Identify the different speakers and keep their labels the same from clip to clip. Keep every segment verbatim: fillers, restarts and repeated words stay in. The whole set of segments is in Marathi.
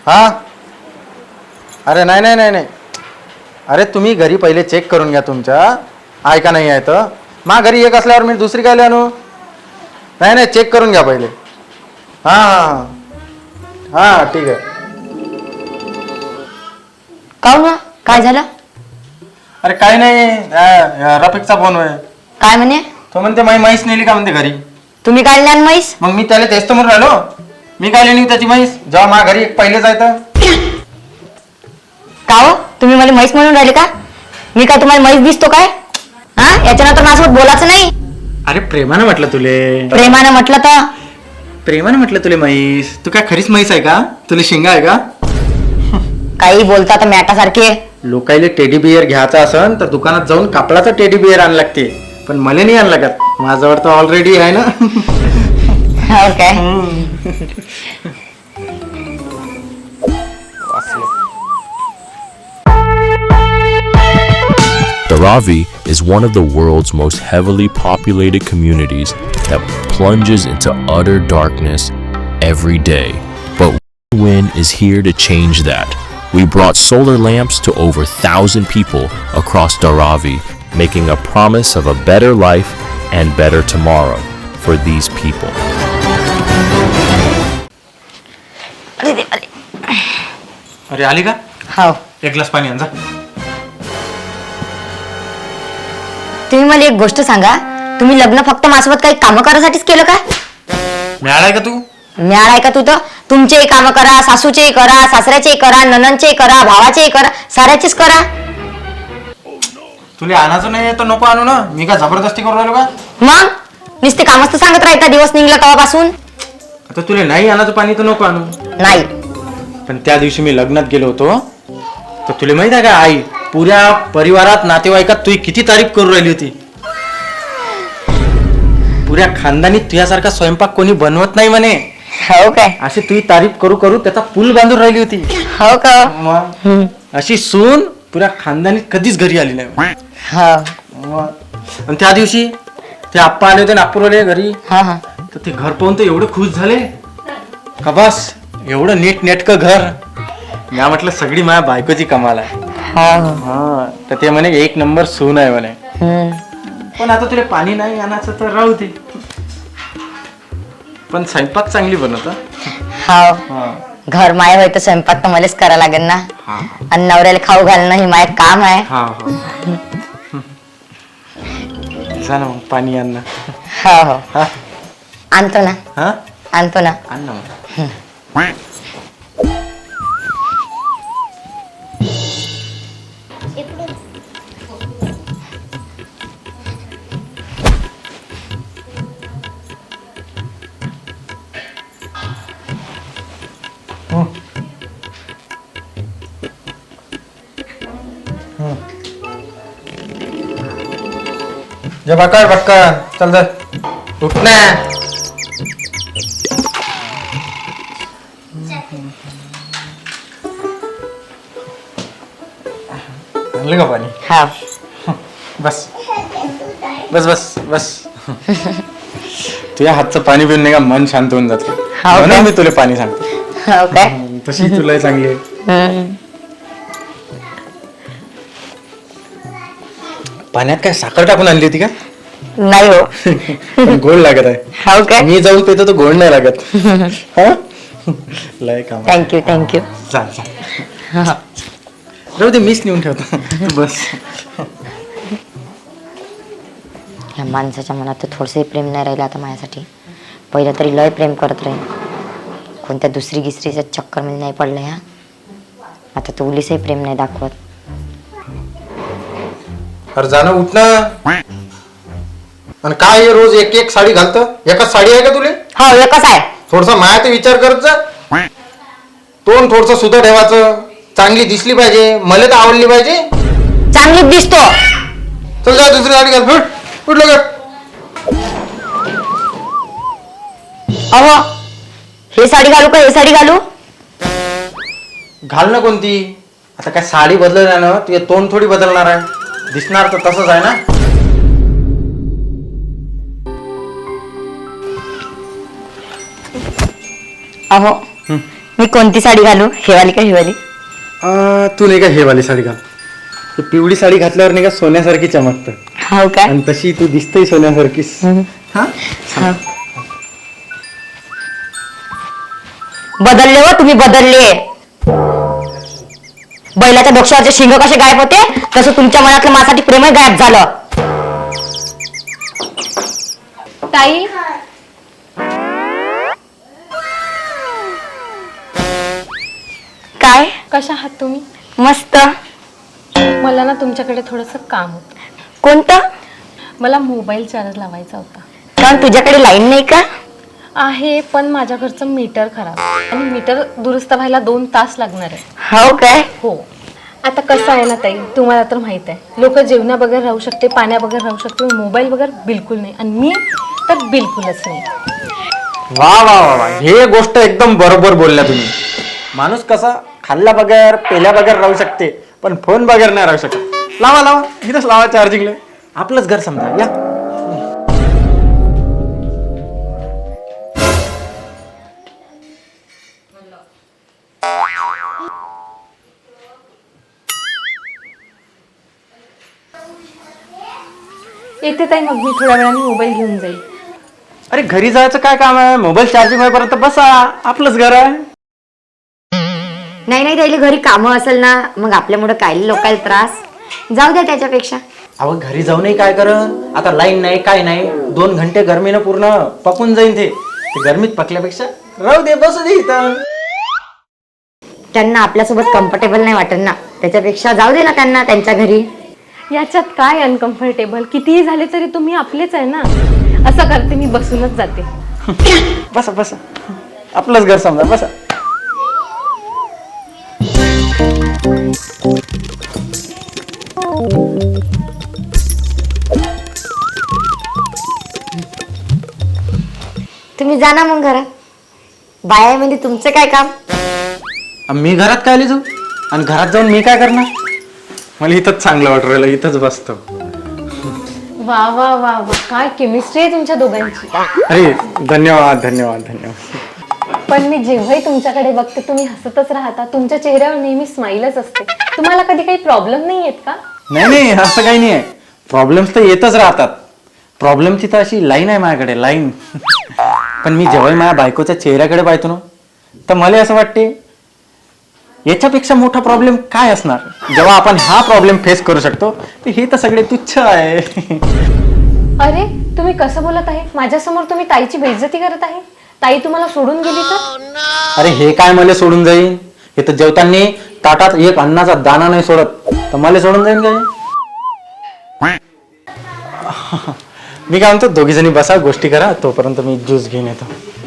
Speaker 1: हां अरे नाही नाही नाही नाही अरे तुम्ही घरी पहिले चेक करून घ्या तुमच्या आहे का नाही आहे तर मा घरी एक असल्यावर मी दुसरी काय आणू नाही नाही चेक करून घ्या पहिले हां हां हां ठीक आहे.
Speaker 2: काऊ ना काय झालं?
Speaker 1: अरे काही नाही रफिकचा फोन आहे.
Speaker 2: काय म्हणे?
Speaker 1: तो म्हणते माई म्हैस नेली का म्हणते घरी.
Speaker 2: तुम्ही काय ज्ञान म्हैस?
Speaker 1: मग मी त्याला तेच तर म्हणून राहिलो मी काय लेणी त्याची म्हैस जेव्हा मा घरी एक पहिले जायचं.
Speaker 2: का हो तुम्ही मला म्हैस म्हणून राहिले का? मी काय तुम्हाला म्हैस दिसतो काय? हा याच्यानंतर माझ्यासोबत बोलायचं नाही.
Speaker 1: अरे प्रेमानं म्हटलं तुले.
Speaker 2: प्रेमानं म्हटलं तर
Speaker 1: प्रेमानं म्हटलं तुले म्हैस. तू काय खरीच म्हैस आहे का? तुला शिंगा आहे का?
Speaker 2: काही बोलता तर मॅटासारखे.
Speaker 1: लोकायले टेडी बियर घ्यायचा असन तर दुकानात जाऊन कापडाचा टेडी बियर आण लागते पण मला नाही आण लागत माझ्यावर तर ऑलरेडी आहे ना.
Speaker 2: हो काय?
Speaker 3: Dharavi is one of the world's most heavily populated communities that plunges into utter darkness every day. But Wind is here to change that. We brought solar lamps to over one thousand people across Dharavi, making a promise of a better life and better tomorrow for these people.
Speaker 1: अरे आली का?
Speaker 2: हो.
Speaker 1: एक ग्लास पाणी आण जा.
Speaker 2: तुम्ही मला एक गोष्ट सांगा तुम्ही लग्न फक्त माझ्यासोबत काही कामं करायसाठीच केलं का?
Speaker 1: मिळालाय का तू?
Speaker 2: मिळाला आहे का तू तर तुमचेही कामं करा सासूचेही करा सासऱ्याचेही करा ननंदचेही करा भावाचेही करा साऱ्याचेच करा.
Speaker 1: तुला आणायचं नाही तर नको आणू ना मी काय जबरदस्ती करू राहिलो का?
Speaker 2: मग नुसते कामच तर सांगत राहता दिवस निघला तेव्हापासून.
Speaker 1: आता तुला नाही आणायचं पाणी तर नको आणू.
Speaker 2: नाही
Speaker 1: पण त्या दिवशी मी लग्नात गेलो होतो तर तुला माहित आहे का आई पुऱ्या परिवारात नातेवाईकात तुझी किती तारीफ करू राहिली होती. पुऱ्या खानदानी तुझ्यासारखा स्वयंपाक कोणी बनवत नाही म्हणे.
Speaker 2: हो काय?
Speaker 1: अशी तुझी तारीफ करू करू त्याचा पूल बांधून राहिली होती.
Speaker 2: हो का?
Speaker 1: मग अशी सून पुऱ्या खानदानी कधीच घरी आली नाही.
Speaker 2: हो.
Speaker 1: आणि त्या दिवशी ते आप्पा आले होते नागपूरवाले घरी
Speaker 2: हा हा.
Speaker 1: तर ते घर पाहून तर एवढे खुश झाले का बस एवढं नीट नेटकं घर. मी म्हटलं सगळी माझ्या बायकोची कमाल आहे. हा तर ते म्हणे एक नंबर सून आहे म्हणे. पण आता तुला पाणी नाही आणायचं तर राहू दे पण स्वयंपाक चांगली बनवत.
Speaker 2: हो घर माय होय तर स्वयंपाक तर मलाच करा लागेल ना. आणि नवऱ्याला खाऊ घालणं ही माय काम आहे.
Speaker 1: हा जा ना मग पाणी आण ना.
Speaker 2: हो हो
Speaker 1: हा
Speaker 2: आणतो ना.
Speaker 1: हा
Speaker 2: आणतो ना.
Speaker 1: आण ना मग. जे बक्का बक्का चल जा उठ ना. आणलं का पाणी?
Speaker 2: हा
Speaker 1: बस बस बस बस. तुझ्या हातचं पाणी पिऊन नाही का मन शांत होऊन जाते म्हणून मी तुला पाणी सांगतो.
Speaker 2: हो काय?
Speaker 1: तशी तुला चांगली आहे. पाण्यात काय साखर टाकून आणली होती का?
Speaker 2: नाही हो.
Speaker 1: गोड लागत आहे.
Speaker 2: हो काय?
Speaker 1: मी जाऊन पितो तर गोड नाही लागत. लय काम.
Speaker 2: Thank you thank you.
Speaker 1: चाल चाल राहू दे मीच नेऊन ठेवतो बस.
Speaker 2: या माणसाच्या मनात तर थोडंसंही प्रेम नाही राहिलं आता माझ्यासाठी. पहिलं तरी लय प्रेम करत राहील कोणत्या दुसरी गिसरीच्या चक्करमध्ये नाही पडलं ह्या. आता तो उलीसही प्रेम नाही दाखवत.
Speaker 1: अरे जाणं उठ ना. आणि काय रोज एक एक साडी घालतं एकच साडी आहे का तुले?
Speaker 2: हो एकच आहे.
Speaker 1: थोडसा माया ते विचार करत जा. तोंड थोडस सुद्धा ठेवायचं चांगली दिसली पाहिजे मला तर आवडली पाहिजे.
Speaker 2: चांगलीच दिसतो.
Speaker 1: चल जा दुसरी साडी घाल. फुट उठ लवकर.
Speaker 2: अहो हे साडी घालू का हे साडी घालू?
Speaker 1: घाल ना कोणती. आता काय साडी बदलणार ना तुझे तोंड थोडी बदलणार आहे. दिसणार तर तसंच आहे ना.
Speaker 2: अहो मी कोणती साडी घालू, हेवाली का हिवाली?
Speaker 1: अं, तू नाही का हे वाली साडी घाल. ती पिवळी साडी घातल्यावर नाही का सोन्यासारखी चमकतं.
Speaker 2: हो काय?
Speaker 1: आणि तशी तू दिसतही सोन्यासारखीच. हा
Speaker 2: हा. बदलले हो तुम्ही, बदलले. बैलाच्या डोक्यावरचे शिंग कसे गायब होते तसं तुमच्या मनातलं माझ्यासाठी प्रेम गायब झालं.
Speaker 4: ताई,
Speaker 2: काय?
Speaker 4: कशा आहात तुम्ही?
Speaker 2: मस्त.
Speaker 4: मला ना तुमच्याकडे थोडंसं काम होतं.
Speaker 2: कोणतं?
Speaker 4: मला मोबाईल चार्ज लावायचा होता.
Speaker 2: कारण तुझ्याकडे लाईन नाही का?
Speaker 4: आहे, पण माझ्या घरचं मीटर खराब आणि मीटर दुरुस्त व्हायला दोन तास लागणार आहे.
Speaker 2: हो काय?
Speaker 4: हो. आता कसं आहे ना ताई, तुम्हाला तर माहित आहे, लोक जेवणा बगैर राहू शकते, पाण्या बगैर राहू शकते, मोबाईल बगैर बिलकुल नाही. आणि मी तर बिलकुलच नाही.
Speaker 1: वा वा वा वा, हे गोष्ट एकदम बरोबर बोलल्या तुम्ही. माणूस कसा खाल्ल्या बगैर पेल्या बगैर राहू शकते, पण फोन बगैर नाही राहू शकत. लावा लावा, इथंच लावा चार्जिंगला. आपलंच घर समजा. या
Speaker 4: येते ताई, मग मी थोड्या वेळाने मोबाईल घेऊन जाईल.
Speaker 1: अरे घरी जायचं काय काम आहे? मोबाईल चार्जिंग होईपर्यंत बसा, आपलंच घर आहे.
Speaker 2: नाही नाही, त्याला घरी कामं असेल ना, मग आपल्यामुळे काय लोकांना त्रास. जाऊ द्या त्याच्यापेक्षा.
Speaker 1: अहो घरी जाऊनही काय कर, आता लाईन नाही काय नाही, दोन घंटे गरमीनं पूर्ण पकून जाईन. ते ते गरमीत पकल्यापेक्षा राहू दे, बसू दे इथं.
Speaker 2: त्यांना आपल्यासोबत कम्फर्टेबल नाही वाटत ना, त्याच्यापेक्षा जाऊ दे ना त्यांना त्यांच्या घरी.
Speaker 4: याच्यात काय अनकम्फर्टेबल? कितीही झाले तरी तुम्ही आपलेच आहे ना. असं करते, मी बसूनच जाते.
Speaker 1: बसा बसा, आपलंच घर समजा, बसा.
Speaker 2: तुम्ही जा ना मग घरात. बाया म्हणजे तुमचं काय काम?
Speaker 1: मी घरात काय आली जाऊ? आणि घरात जाऊन मी काय करणार? मला इथंच चांगलं वाटू राहिलं, इथंच बसतो.
Speaker 4: वा वा वा वा, काय केमिस्ट्री आहे तुमच्या दोघांची.
Speaker 1: अरे धन्यवाद धन्यवाद धन्यवाद.
Speaker 4: पण मी जेव्हाही तुमच्याकडे बघते तुम्ही हसतच राहता, तुमच्या चेहऱ्यावर नेहमी स्माईलच असते. तुम्हाला कधी काही प्रॉब्लेम नाही येत का?
Speaker 1: नाही नाही, असं काही नाही आहे. प्रॉब्लेम्स तर येतच राहतात. प्रॉब्लेम तिथं अशी लाईन आहे माझ्याकडे, लाईन. पण मी जेव्हा माझ्या बायकोच्या चेहऱ्याकडे पाहतो ना, तर मला असं वाटते याच्यापेक्षा मोठा प्रॉब्लेम काय असणार. जेव्हा आपण हा प्रॉब्लेम फेस करू शकतो, तर हे तर सगळे तुच्छ आहे.
Speaker 4: अरे तुम्ही कसं बोलत आहे? माझ्यासमोर तुम्ही ताईची बेइज्जती करत आहे. ताई तुम्हाला सोडून गेली तर?
Speaker 1: अरे हे काय मला सोडून जाईन? हे तर जेवताना ताटात एक अन्नाचा दाना नाही सोडत, तर मला सोडून जाईन काय? मी काय म्हणतो, दोघी जणी बसा, गोष्टी करा, तोपर्यंत मी ज्यूस घेऊन येतो.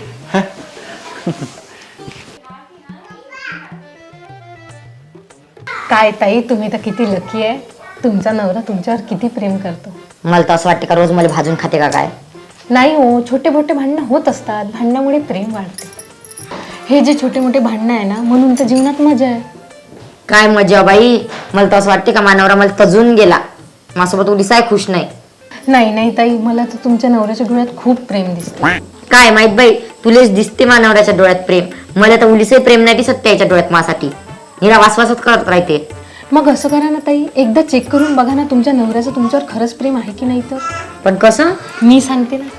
Speaker 4: काय ताई, तुम्ही तर किती लकी आहे. तुमचा नवरा तुमच्यावर किती प्रेम करतो.
Speaker 2: मला तर असं वाटतं का रोज मला भाजून खाते का काय?
Speaker 4: नाही हो, छोटे मोठे भांडणं होत असतात, भांडणामुळे प्रेम वाढते. हे जे छोटे मोठे भांडणं आहे ना, म्हणून तर जीवनात मजा आहे.
Speaker 2: काय मजा बाई, मला तर असं वाटते का मानवरा मला तजून गेला, माझ्यासोबत उडीसाय खुश नाही.
Speaker 4: नाही नाही ताई, मला तर तुमच्या नवऱ्याच्या डोळ्यात खूप प्रेम दिसतं.
Speaker 2: काय माहित बाई, तुलेच दिसते मानवऱ्याच्या डोळ्यात प्रेम, मला तर उलीसही प्रेम नाही दिसत त्याच्या डोळ्यात माझ्यासाठी. निरा वासवासच करत राहते.
Speaker 4: मग असं करा ना ताई, एकदा चेक करून बघा ना तुमच्या नवऱ्याचं तुमच्यावर खरंच प्रेम आहे की नाही. तर
Speaker 2: पण कसं?
Speaker 4: मी सांगते ना.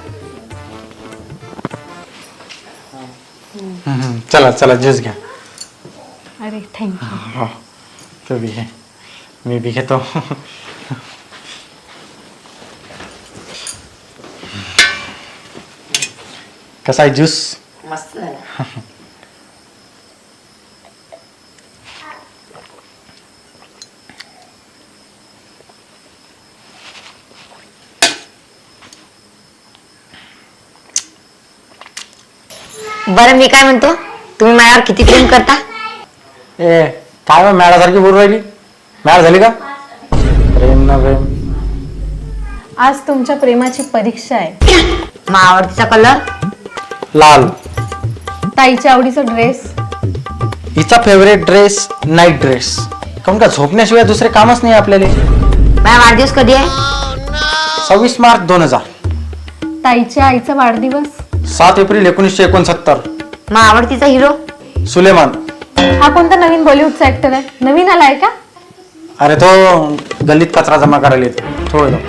Speaker 1: चला चला, ज्यूस घ्या.
Speaker 4: अरे थँक्यू.
Speaker 1: हो, तू बी घे, मी बी घेतो. कसा आहे ज्यूस?
Speaker 2: मस्त झालं. बरं मी काय म्हणतो, तुम्ही माझ्यावर किती प्रेम करता?
Speaker 1: ए काय मग मॅडासारखी बोलू राहिली? मॅड झाली का? प्रेम ना प्रेम.
Speaker 4: आज तुमच्या प्रेमाची परीक्षा आहे.
Speaker 2: मग आवडतीचा कलर?
Speaker 1: लाल.
Speaker 4: ताईच्या आवडीचा ड्रेस?
Speaker 1: हिचा फेवरेट ड्रेस नाईट ड्रेस. काऊन का झोपण्याशिवाय दुसरे कामच नाही आपल्याला.
Speaker 2: माझा वाढदिवस कधी आहे?
Speaker 1: सव्वीस मार्च दोन हजार.
Speaker 4: ताईच्या आईचा वाढदिवस?
Speaker 1: सात एप्रिल एकोणीसशे एकोणसत्तर.
Speaker 2: मग आवडतीचा हिरो?
Speaker 1: सुलेमान.
Speaker 4: हा कोणता नवीन बॉलिवूडचा ऍक्टर आहे? नवीन आलाय का?
Speaker 1: अरे तो गल्लीत कचरा जमा करायला येतो. तो आहे तो.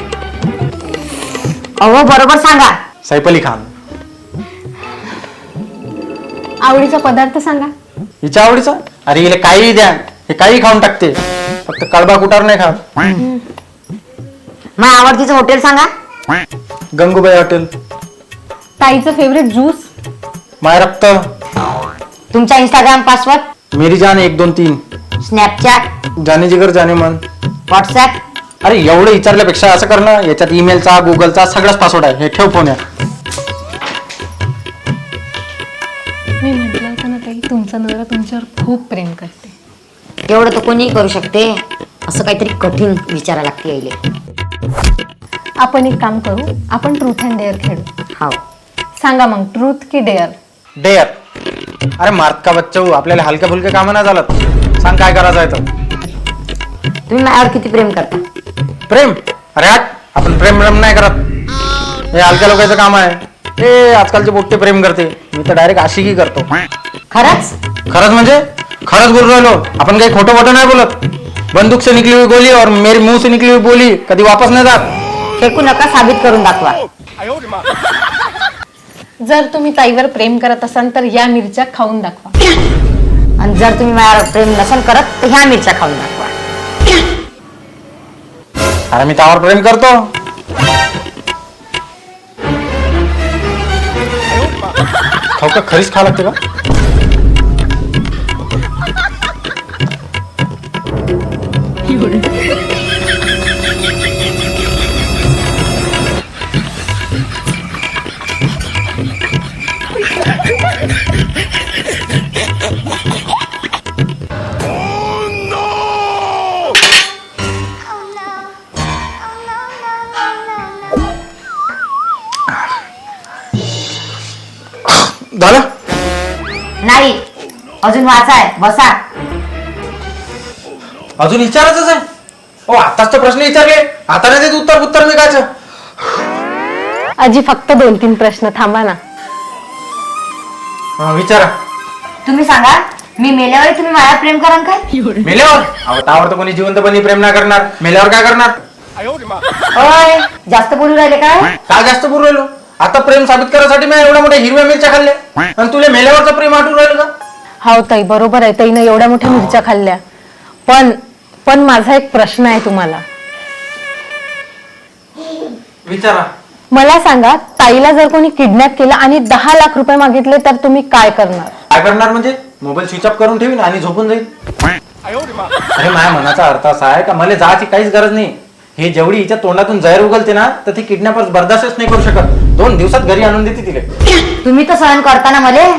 Speaker 2: अहो बरोबर सांगा.
Speaker 1: सैफ अली खान.
Speaker 4: आवडीचा पदार्थ सांगा.
Speaker 1: हिच्या आवडीचा? अरे हिला काही द्या, हे काही खाऊन टाकते, फक्त कडबा कुटार नाही खात.
Speaker 2: माझ्या आवडतीचं हॉटेल सांगा.
Speaker 1: गंगूबाई हॉटेल.
Speaker 4: ताईचं फेवरेट ज्यूस.
Speaker 1: माय रक्त.
Speaker 2: तुमचा इंस्टाग्राम पासवर्ड.
Speaker 1: मेरी जान एक दोन तीन.
Speaker 2: स्नॅपचॅट.
Speaker 1: जाने जिगर जाने मन.
Speaker 2: व्हॉट्सॲप.
Speaker 1: अरे एवढं विचारल्यापेक्षा असं कर ना, याच्यात ईमेलचा गुगलचा सगळाच पासवर्ड आहे, हे ठेव फोन.
Speaker 4: मी म्हटलं होतं ना ताई, तुमचा नवरा तुमच्यावर खूप प्रेम करते.
Speaker 2: एवढं तर कोणीही करू शकते. असं काहीतरी कठीण विचारा लागते यायले.
Speaker 4: आपण एक काम करू, आपण ट्रूथ अँड डेअर खेळू.
Speaker 2: हो.
Speaker 4: सांगा मग, ट्रूथ की डेअर?
Speaker 1: डेअर. अरे मार्क का बच्चा हो, आपल्याला हलक्या फुलक्या कामं नाही झालं. सांग काय करायचं आहे तर.
Speaker 2: तुम्ही माझ्यावर किती प्रेम करता?
Speaker 1: प्रेम? अरे हट, आपण प्रेम प्रेम नाही करत, हे हलक्या लोकांचं काम आहे. हे आजकालचे पोट्टे प्रेम करते, मी तर डायरेक्ट आशिकी करतो.
Speaker 2: खरंच?
Speaker 1: खरंच म्हणजे खरंच बोल राहिलो, आपण काही खोटं खोटं नाही बोलत. बंदूक से निकली हुई गोली और मेरे मुंह से निकली हुई बोली कधी वापस नाही जात.
Speaker 2: फेकू नका, साबित करून दाखवा.
Speaker 4: जर तुम्ही ताईवर प्रेम करत असाल तर या मिरच्या खाऊन दाखवा.
Speaker 2: आणि जर तुम्ही माझ्यावर प्रेम नसेल करत तर ह्या मिरच्या खाऊन दाखवा.
Speaker 1: अरे मी त्यावर प्रेम करतो. खाऊ का? खरीच खा लागते का? झालं?
Speaker 2: नाही, अजून वाचाय. बसा.
Speaker 1: अजून विचारायचंच आहे? ओ आताच तर प्रश्न विचारले, आता नाही देत उत्तर उत्तर मी कायचं.
Speaker 4: आजी फक्त दोन तीन प्रश्न थांबा ना.
Speaker 1: हा विचारा.
Speaker 2: तुम्ही सांगा, मी मेल्यावर तुम्ही माझ्यावर प्रेम कराल काय?
Speaker 1: मेल्यावर? अहो त्यावर तर कोणी जिवंतपणी प्रेम नाही करणार, मेल्यावर काय करणार?
Speaker 2: ओय, जास्त बोलू राहिले काय?
Speaker 1: काय जास्त बोलू राहिलो? आता प्रेम साबित करायसाठी मी एवढ्या मोठ्या हिरव्या मिरच्या खाल्ल्या, आणि तुला मेल्यावरचं प्रेम आठवून राहिलं का?
Speaker 4: हो ताई, बरोबर आहे, ताईनं एवढ्या मोठ्या मिरच्या खाल्ल्या. पण पण माझा एक प्रश्न आहे तुम्हाला.
Speaker 1: विचारा.
Speaker 4: मला सांगा, ताईला जर कोणी किडनॅप केलं आणि दहा लाख रुपये मागितले तर तुम्ही काय करणार?
Speaker 1: काय करणार म्हणजे? मोबाईल स्विच ऑफ करून ठेवीन आणि झोपून जाईल. अरे माझ्या मनाचा अर्थ असा आहे का मला जायची काहीच गरज नाही. हे जेवढी हिच्या तोंडातून जहर उगलते ना, तर ती किडनॅपर्स बर्दाश्तच नाही करू शकत. दोन दिवसात घरी आणून देते तिले.
Speaker 2: तुम्ही तर सहन करता ना मले.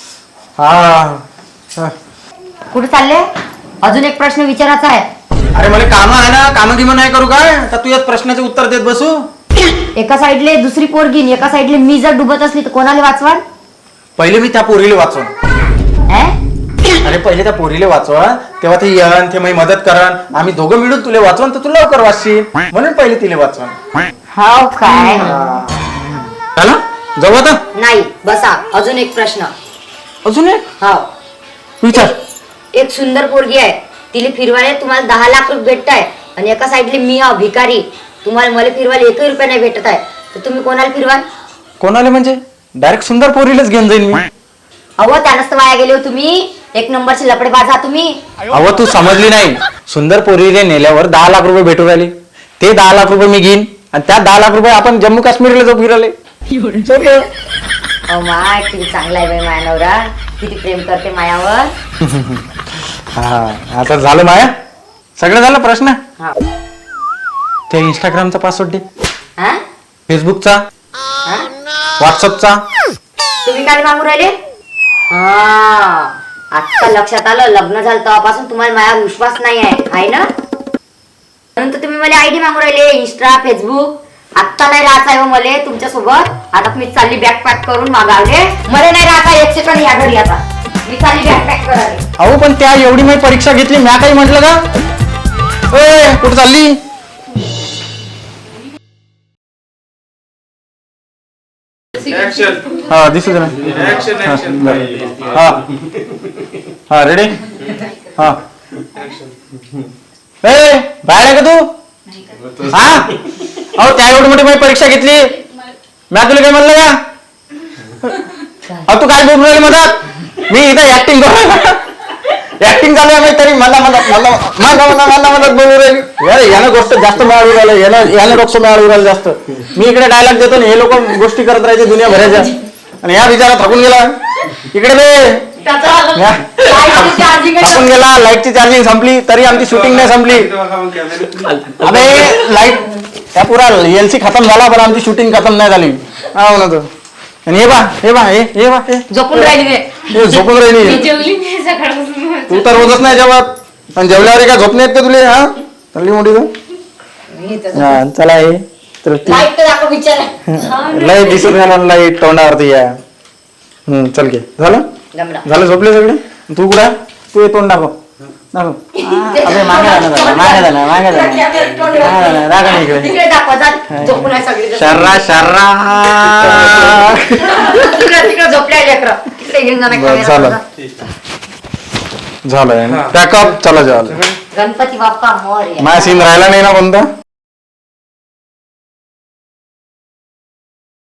Speaker 1: हा.
Speaker 2: कुठे चालले? अजून एक प्रश्न विचारायचा आहे.
Speaker 1: अरे मला काम आहे ना, काम गिम नाही करू काय? तर तू याच प्रश्नाचे उत्तर देत बसू.
Speaker 2: एका साईडले दुसरी पोरगी आणि एका साईडले मी जर डुबत असली तर कोणाला वाचवाल?
Speaker 1: पहिले मी त्या पोरीला वाचवून. अरे पहिले त्या पोरीला वाचवा, तेव्हा ते येण ते मी मदत करन, आम्ही दोघं मिळून तुला वाचवून तर तू लवकर वाचशील, म्हणून पहिले तिला वाचवून.
Speaker 2: हो काय?
Speaker 1: झालं? जाऊ आता?
Speaker 2: नाही, बसा. अजून एक प्रश्न.
Speaker 1: अजून एक?
Speaker 2: हो.
Speaker 1: विचार.
Speaker 2: एक सुंदर पोरगी आहे, तिला फिरवायला तुम्हाला दहा लाख रुपये भेटत आहे, आणि एका साईडले मी हा भिकारी, तुम्हाला मला फिरवायला एकही रुपया नाही भेटत आहे, तर तुम्ही कोणाला फिरवाल?
Speaker 1: कोणाला म्हणजे? डायरेक्ट सुंदर पोरीलाच घेऊन जाईन मी.
Speaker 2: अहो त्यानंच तर वाया गेले हो तुम्ही. एक नंबरचे लपडेबाज आहात तुम्ही.
Speaker 1: अहो तू समजली नाही. सुंदर पोरीले नेल्यावर दहा लाख रुपये भेटू राहिले, ते दहा लाख रुपये मी घेईन, आणि त्या दहा लाख रुपये आपण जम्मू काश्मीरला जाऊ फिरायला.
Speaker 2: अहो माय, किती चांगला आहे बाई माया नवरा, किती प्रेम करते मायावर.
Speaker 1: हा आता झालं माया, सगळं झालं. प्रश्न
Speaker 2: हा.
Speaker 1: ते इंस्टाग्रामचा पासवर्ड दे,
Speaker 2: हा?
Speaker 1: फेसबुकचा,
Speaker 2: हा?
Speaker 1: व्हॉट्सअपचा.
Speaker 2: तुम्ही काय मागू राहिले? हा, आता लक्षात आलं. लग्न झालं तेव्हापासून तुम्हाला माझ्यावर विश्वास नाही आहे, आहे ना? म्हणून तर तुम्ही मला आयडी मागू राहिले, इंस्टा, फेसबुक. आत्ता नाही राहत आहे मला तुमच्या सोबत. आता मी चालली बॅग पॅक करून मागावले. मला नाही राहत आहे एक सेकंड या घरी. आता मी चालली बॅग पॅक करायला.
Speaker 1: अहो पण त्या एवढी मी परीक्षा घेतली, म्या काही म्हटलं का? ए कुठं चालली?
Speaker 5: Action.
Speaker 1: हा दिसू दे ना हा हा रेडी हा ए बाहेर आहे का तू हा अहो त्या एवढी मोठी माझी परीक्षा घेतली मी तुला काय म्हणलं का अहो तू काय बोलून राहिली मधात मी इथं ऍक्टिंग करू ऍक्टिंग चालू आहे तरी मला मला मला मला मला मला मला बोलू राहिली अरे यानं गोष्ट जास्त मिळाली राहिलं यानं यानं रोक्ष मिळाली राहिलं जास्त मी इकडे डायलॉग देतो ना हे लोक गोष्टी करत राहायचे दुनिया भरायच्या आणि या बिचारा थकून गेला इकडे दे थकून गेला लाईटची चार्जिंग संपली तरी आमची शूटिंग नाही संपली अबे लाईट त्या पुरा एलसी खतम झाला पण आमची शूटिंग खतम नाही झाली हा म्हणा तो आणि हे बा हे बा हे हे बा हे
Speaker 2: झोपून राहिली
Speaker 1: हे झोपून राहिली
Speaker 4: जेवली नाही सकाळपासून
Speaker 1: तू तर रोजच नाही जेवत पण जेवल्यावर काय झोप नाही येत का तुला हा चालली मोठी तू हा चला हे तृप्ती लाईट दिसत नाही लाईट तोंडावरती या हम्म चल घे झालं झालं झोपले सगळे तू कुठं तू हे तोंड दाखव दाखव अबे मागे जाणं झालं मागे जाणं मागे जाणं दाखव ना इकडे शर्रा शर्रा झालं झालं पॅकअप चला जेवायला
Speaker 2: गणपती बाप्पा मोरया.
Speaker 1: माझा सीन राहिला नाही ना कोणता